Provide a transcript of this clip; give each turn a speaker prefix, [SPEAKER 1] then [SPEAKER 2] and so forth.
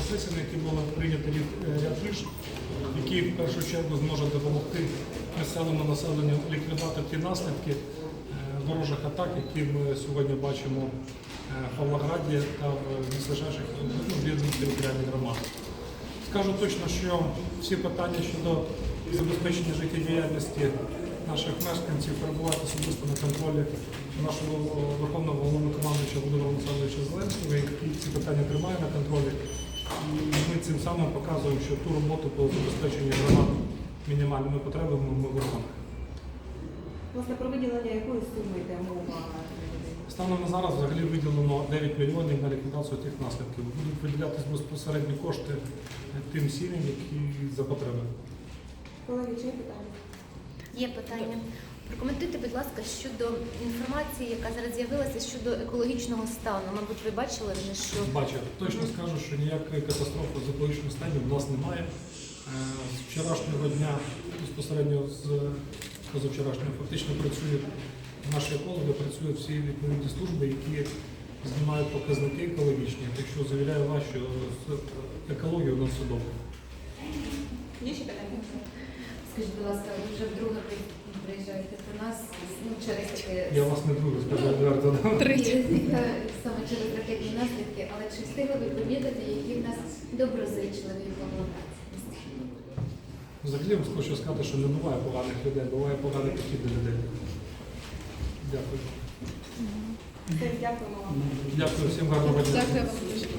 [SPEAKER 1] сесії, на якій було прийнято ряд рішень, які в першу чергу зможуть допомогти місцевому населенню ліквідувати ті наслідки ворожих атак, які ми сьогодні бачимо в Павлограді та в близьких об'єднаних територіальних громадах. Скажу точно, що всі питання щодо забезпечення життєдіяльності наших мешканців перебувають особисто на контролі нашого Верховного Головнокомандуюча Володимира Олександровича Зеленського, який ці питання тримає на контролі. І ми цим самим показуємо, що ту роботу по забезпеченню громад мінімальними потребами ми виконуємо.
[SPEAKER 2] Власне, про виділення якої суми йде мова?
[SPEAKER 1] Станом на зараз взагалі виділено 9 мільйонів на ліквідацію тих наслідків. Будуть виділятися безпосередні кошти тим сім'ям, які за потреби.
[SPEAKER 2] Колеги, чи є питання?
[SPEAKER 3] Є питання. Прокоментуйте, будь ласка, щодо інформації, яка зараз з'явилася щодо екологічного стану. Мабуть, ви бачили вже, що...
[SPEAKER 1] Бачу. Точно скажу, що ніякої катастрофи з екологічним станом в нас немає. З вчорашнього дня, безпосередньо з позавчорашнього, фактично працюють наші екологи, працюють всі відповідні служби, які знімають показники екологічні. Так що завіряю вас, що з екологією у нас все добре.
[SPEAKER 2] Є ще питання?
[SPEAKER 4] Скажіть, будь ласка, ви вже вдруге приїжджаєте до нас, через таке...
[SPEAKER 1] Я вас не друге, скажу відверто.
[SPEAKER 4] Саме через ракетні наслідки, але чи встигли ви помітити, які в нас доброзичливі павлоградці?
[SPEAKER 1] Взагалі я хочу сказати, що не буває поганих людей, буває поганий підхід до людей. Дякую.
[SPEAKER 2] Дякуємо вам.
[SPEAKER 1] Дякую всім, гарного дня.
[SPEAKER 5] Дякую вам дуже.